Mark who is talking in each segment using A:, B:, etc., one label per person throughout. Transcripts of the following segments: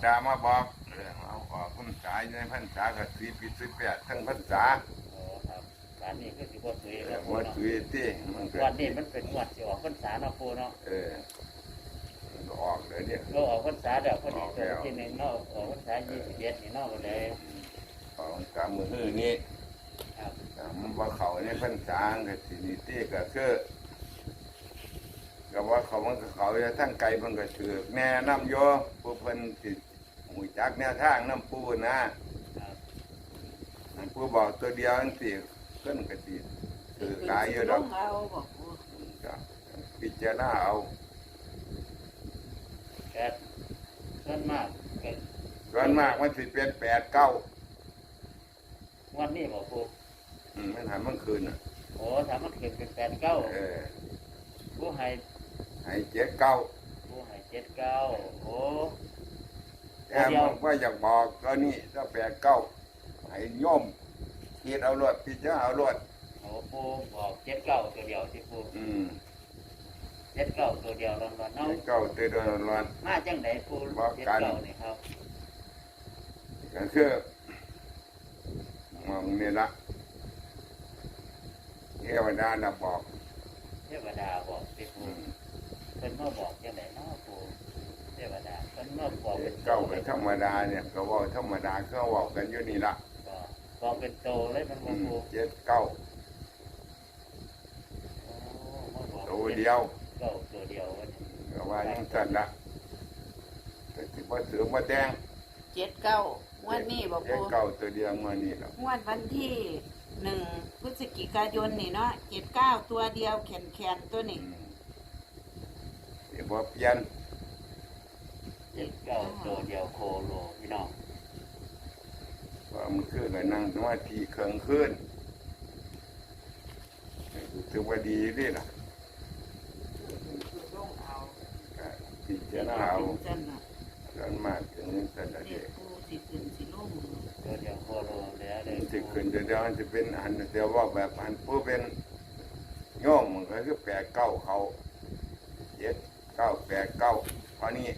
A: ดามาบอกเอาออกพรรษาในพรรษาก็18ทั้งพรรษา
B: โอ้ครับการนี้คือสิบ่สวยแล้วปู
A: ว่า
B: เนาะ
A: ตุยที่มันก็
B: วันนี้มันเป็นงวดสิออกพรรษาเนาะปูเนาะ
A: มันก็ออกเลยเนี่ย
B: เราออกพรรษาแล้วพอดีตัวที่หนึ่งเนาะออกพรรษา21นี่เนาะก็เลย
A: ของกำมือนี้
B: ครับ
A: มันว่าเขาในพรรษาก็สินิตี้ก็คือก็ว่าเขามันก็เขาจะทั้งไกลมันก็ถือแม่น้ำโยผู้เพิ่นสิหูจักแนวทางน้ำปูนะครับน้ำปูบอกตัวเดียวจังสิเพิ่นก็สิถือกายอยู่ดอก
C: เอาบอกปู
A: ก็พิจารณาเอา
B: แต่ส่วนมากก็
A: ส่วนมากมันสิเป็น8-9
B: วันนี้บอกปู
A: มันหันมันคืนอ่ะ
B: โอ้ถ้ามันขึ้นเป็น89ผู้ให้
A: ให้7-9
B: ผู้ให้79โอ้
A: แต่มันว่าอยากบอกก็นี่ถ้า8-9ให้โยมคิดเอารวดพิจารณาเอารวด
B: โหปูบอก79ตัวเดียวที่ปู79ตัวเดียวร้อนๆเนาะ
A: เก้าเตือนร้อน
B: มาจังไดปู79นี่ครับ
A: ก็คือมองนี่ละเทวดาน่ะบอก
B: เทวดาบอกที่ปูเพิ่นมาบอกจังไดเนาะปูเทวดาเพิ่นมาบอกเป็น
A: เก้าเป็นธรรมดาเนี่ยก็ว่าธรรมดาก็ว่ากันอยู่นี่ละ
B: บอกเป็นโตเลยมันบ่ปู
A: 7-9ตัวเดียว
B: ตัวเดียววันนี้
A: ก็ว่าอย่างนั้นละแต่สิบ่เสือบ่แดง
C: 79วันนี้บอกปู
A: 7-9ตัวเดียวมานี่ละ
C: งวดวันที่1 พฤศจิกายนนี่เนาะ79ตัวเดียวแขนตัวนี่
A: สิบ่เปลี่ยน
B: 79ตัวเดียวโคโลพี่น้อง
A: ว่ามันคือก็นั่งสมาธิเครื่องคืนถือว่าดีนี่ล่ะก็พิจารณาเอา
C: จันน่ะ
A: กันมากถึงนี้แต่ละ
C: เด็
A: เด็
C: ก
A: ก
C: ปูสิขึ้นสิลง
B: ตัวเดียวโคโลแล้วเลย
A: ที่ขึ้นเดี๋ยวมันจะเป็นอันเดียวว่าแบบอันผู้เป็นโยมมันก็คือ8-9เขา7-9-8-9เพราะนี้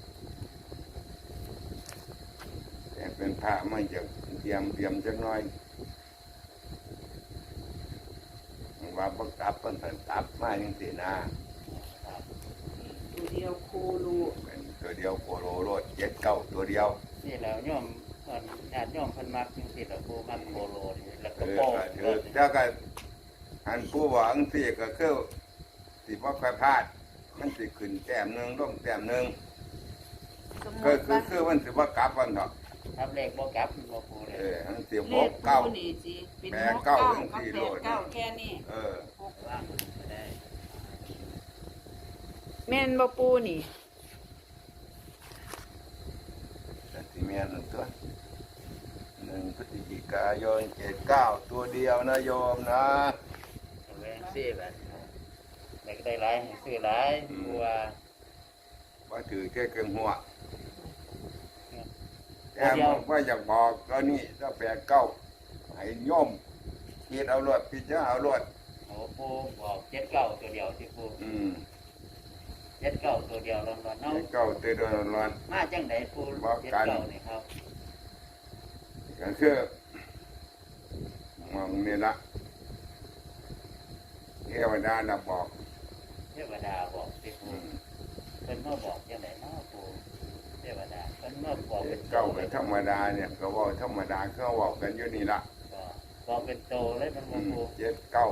A: แต่เป็นพระไม่จะเตรียมจักหน่อยว่าบักตับเป็นตับมาอย่างสินะ
C: ตัวเดียวโคลู
A: เป็นตัวเดียวโคโรโรด7-9ตัวเดียว
B: นี่แล้วโยมญาติโยมเพิ่นมักจังซี่ล่ะปูมักโคโลนี่แล้วก็
A: เออ
B: โป้
A: ถือเจ้าก็อันผู้หวังสิก็คือสิบ่ค่อยพลาดมันสิขึ้นแต้มหนึงลงแต้มหนึง
C: สมม
A: ก็
C: ติ
A: คือมันสิบ่กลับกันดอก
B: ทำเลขบ่กลับบ่ปูเลย
A: มันสิ
C: เล
A: บ่
C: ข
A: เก้า
C: ปูนี่สิเป็น
A: แปด
C: 6
A: เก้า
C: 9
A: จัง
C: กับ
A: สี่โลด
C: 8 9แค่นี้
A: เออ
B: ว่างก็ได้
C: แม่นบ่ปูนี่
A: แต่ที่แม่นตัว1 พฤศจิกายน79ตัวเดียวนะโยมนะ
B: แม่นซี่แบบแต่ก็ได้หลายให้ซื้อหลายปูว่า
A: ว่าถือแค่เครื่องหัวแต่มันว่าอยากบอกก็นี่ถ้า8-9ให้โยมคิดเอารวดพิจารณาเอารวด
B: โอ้ปูบอก79ตัวเดียวที่ปู79ตัวเดียวร้อนๆเนาะ
A: 7-9ตัวเดียวร้อน
B: มาจังไดปู79นี่ครับ
A: ก็คือมองนี่ละเทวดาน่ะบอก
B: เทวดาบอกที่ปูเพิ่นมาบอกจังไดเนาะปูเทวดาเพิ่นมาบอกเป็นโต
A: เก้าเป็นธรรมดาเนี่ยก็ว่าธรรมดาเขาบอกกันอยู่นี่ละ
B: ก็บอกเป็นโตเลยมันบ่ปู
A: 7-9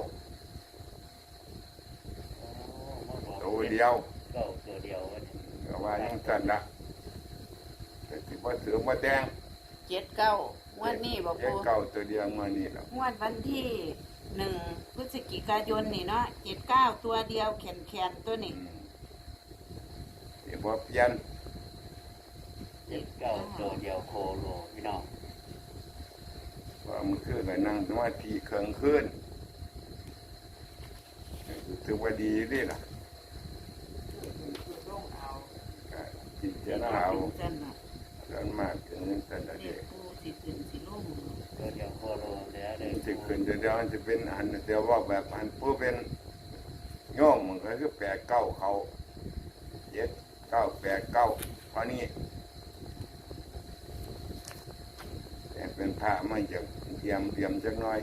B: โอ้มาบอก
A: ตัวเดียว
B: ตัวเดียววันนี้
A: ก็ว่าอย่างนั้นละแต่สิบ่เสือบ่แดง
C: 79วันนี้บ่ปู
A: 7-9ตัวเดียวมานี่ละ
C: งวดวันที่1 พฤศจิกายนนี่เนาะ79ตัวเดียวแขนตัวนี่
A: สิบ่เปลี่ยน
B: 79ตัวเดียวโคโลพี่น้อง
A: ว่ามันคือก็นั่งสมาธิเครื่องคืนถือว่าดีนี่ล่ะก็พิจารณาเอา
C: จันน่ะ
A: กันมากถึงนี้แต่ละ
C: เด็
A: เด็
C: ก
A: ก
C: ปูสิขึ้นสิลง
B: ตัวเดียวโคโลแล้วเลย
A: สิขึ้นเดี๋ยวมันจะเป็นอันเดียวว่าแบบอันผู้เป็นโยมมันก็คือ8-9เขา7-9-8-9เพราะนี้พระมันจะเตรียมจักหน่อย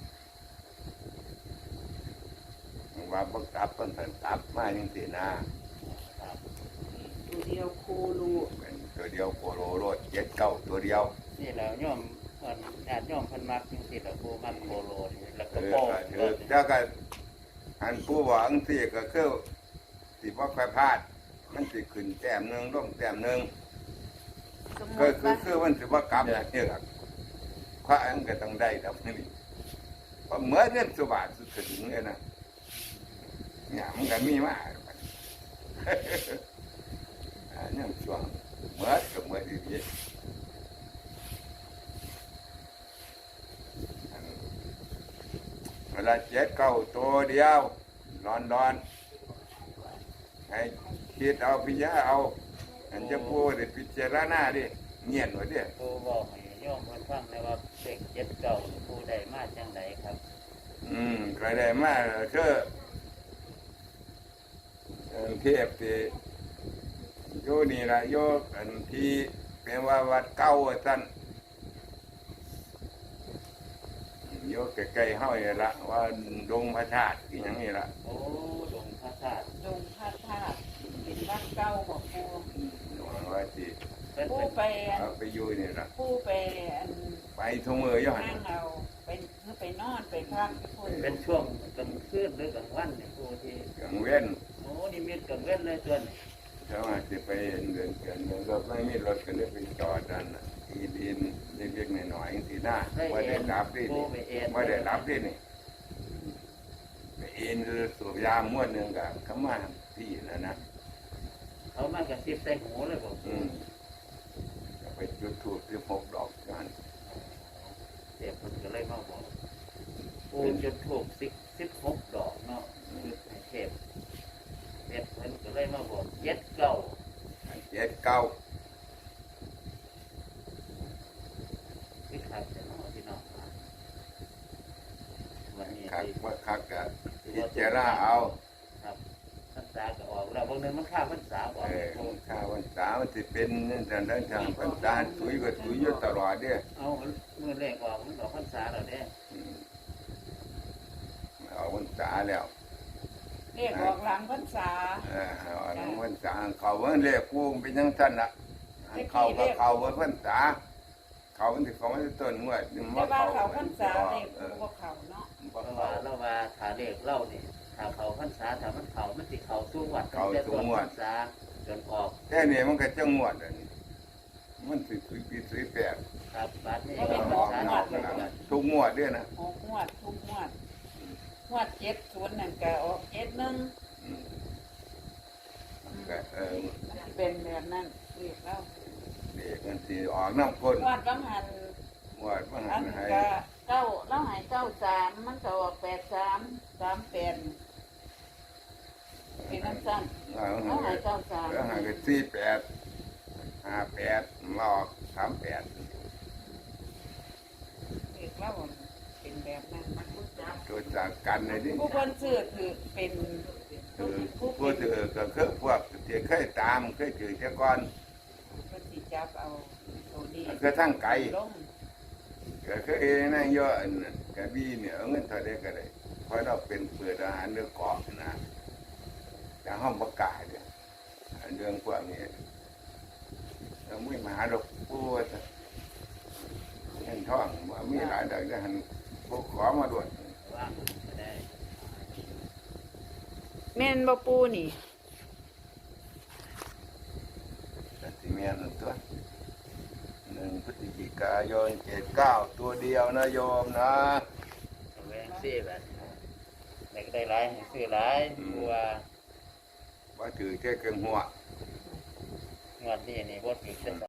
A: ว่าบักตับมันเป็นตับมาจังซี่นะครับ
C: ตัวเดียวโครู
A: เป็นตัวเดียวโคโลโรดเจ็ดเก้าตัวเดียว
B: นี่แล้วโยมญาติโยมเพิ่นมักจังซี่ล่ะปูมักโคโลนี่แล้วก็
A: เออ
B: โป้
A: ก็ถือแล้วก็อันผู้หวังสิก็คือสิบ่ค่อยพลาด มันสิขึ้นแต้มหนึงลงแต้มหนึง
C: สมม
A: ก็
C: ติ
A: คือ
C: ว่า
A: คือมันสิว่ากลับอย่างนี้ล่ะพระอันก็ต้องได้ดอกนี่เพราะเหมือนเงินสุบาทสุดถึงเลยนะเนี่ยมันก็มีมาอันนี้ช่วงเหมือนกับเหมือนดีๆเวลาเจ็ดเก้าตัวเดียวร้อนให้คิดเอาพิจารณาเอาอันจะพูดได้พิจารณาดิเงียบไว้ดิ
B: ปูบอกให้โยมเพิ่นฟังเลยว่าเลขเจ็ดเก้าปูได้มาจังไดครับ
A: ก็ได้มาคือเทพที่โยนี่ละโยอันที่เป็นว่าวัดเก้าท่านโยใกล้ๆเฮานี่ละว่าดงพระธาตุอีหยังนี่ละ
B: โอ้ดงพระธาตุ
C: ดงพระธาตุเป็นวัดเก่าของปู
A: ว่าที่
B: เพิ่น
C: ปู
B: เป็น
C: ไปอัน
A: เอาไปอยู่นี่ละ
C: ปูไปอัน
A: ไปทุ่งมือย้อน
C: นั่งเอาไปคือไปนอนไปพักที่คน
B: เป็นช่วงกลางคืนหรือกลางวันเนี่ยปูที่
A: กังเว้น
B: โอ้นี่มีกลางเว้นเลยตัวนี้
A: เขาอาจจะไปเดินกันรถไม่มีรถก็เลยไปจอดนั่นน่ะอีดินเล็กๆหน่อยๆสิหน้าว่าได้รับดิ
B: ปูไปเอ็น
A: ว่าได้รับดินี่ไปเอ็นคือสูบยาม้วนหนึ่งกับขมาพี่นะนะ
B: เขามากระซิบใส่หูเลยบอก
A: ก็ไปจุดทูบ16 ดอกกัน
B: เสียคนก็เลยมาบอกปูจุดถูก16 ดอกเนาะจุดให้เทพเสียคนก็เลยมาบอกเจ็ดเก้า
A: เจ็ดเก้า
B: ที่ขาดจะเนาะพี่น้องครับวันนี้
A: คัก
B: ที่
A: ว่าคักกะพิจารณาเอา
B: ครับพรรษาก็ออกแล้วบางเดือนมันข้ามพรรษาออก
A: ข้าววันสามันจะเป็นนั่นนั่นทางพันตาสุยก็สุยอยู่ตลอดเด้อ
B: เอามือแรกออกมันออกพรรษาแล้วเนี่ย
A: เอาวันสาแล้ว
C: เรียกออกหลังพรรษา
A: เอาวันสาเขาวันเรียกกูเป็นยังท่านละเขาก็เขาวันพันษาเขามันที่เขาไม่ต้นงวด
C: แต่ว่าเขาพรรษาเรียกปูว่าเขาเนาะ
B: เพราะว่าเราว่าถ้าเลขเล่านี่ถ้าเขาพรรษาถ้ามันเขามันสิเขาสู้วัดตั้งแต่ต้นพรรษาจนออก
A: แค่นี้มันก็จะงวดอันนี้มันสิสุยปีสุยแปด
B: ครับบัดนี้
A: อ
B: ก็พร
A: อ
B: ร
A: ก
B: ษา
A: ห
B: อ
A: นั
B: อก ก
A: นะ
B: แล้ว
A: ทุกงวดด้วยนะ
C: หกงวดทุกงวดงวด70นั่นก็ออก71
A: ก็
C: เป็นแบบนั้นเรียกแล้ว
A: เด็กมันสิออกน้ำก้น
C: งวดบางหัน
A: งวดมัน
C: อัน
A: ให้
C: ก็เก้าเราใหาย93มันก็ออก8338เป็นน้ำสั้น
A: แล้ว
C: เราใหาย
A: แล้วให้
C: 93
A: ก็48 58มาออก38
C: เรียกแล้วเป็นแบบนั้นมันรู้จัก
A: ตัวจากกันในนี้
C: ผู้คนซื้อถือเป็น
A: คือผู้ถือก็คือพวกที่เคยตามเคยถือแต่ก่อน
C: คนสิจับเอาตัวนี้
A: ก็ทั้งไก่
C: ลง
A: ก็คือเองนั่งเยอะอันนั้นกระบี่เนี่ยเอาเงินเท่าไดก็ได้เพราะเราเป็นเปิดอาหารเรื่องเกาะนะแต่ห้องประกาศเนี่ยเรื่องพวกนี้เราไม่มาหาดอกปูว่าเงินท่องว่ามีหลายดอกจะหันพวกขอมาด่วน
B: ว่างก็ได้
C: แม่นบ่ปูนี่
A: แต่ที่เมียนตัว1 พฤศจิกายน79ตัวเดียวนะโยมนะ
B: แหวงซี่แบบไหนก็ได้หลายให้ซื้อหลายเพราะว่า
A: ว่าถือแค่เกิงหัว
B: งวดนี้นี่บ่ถือจะ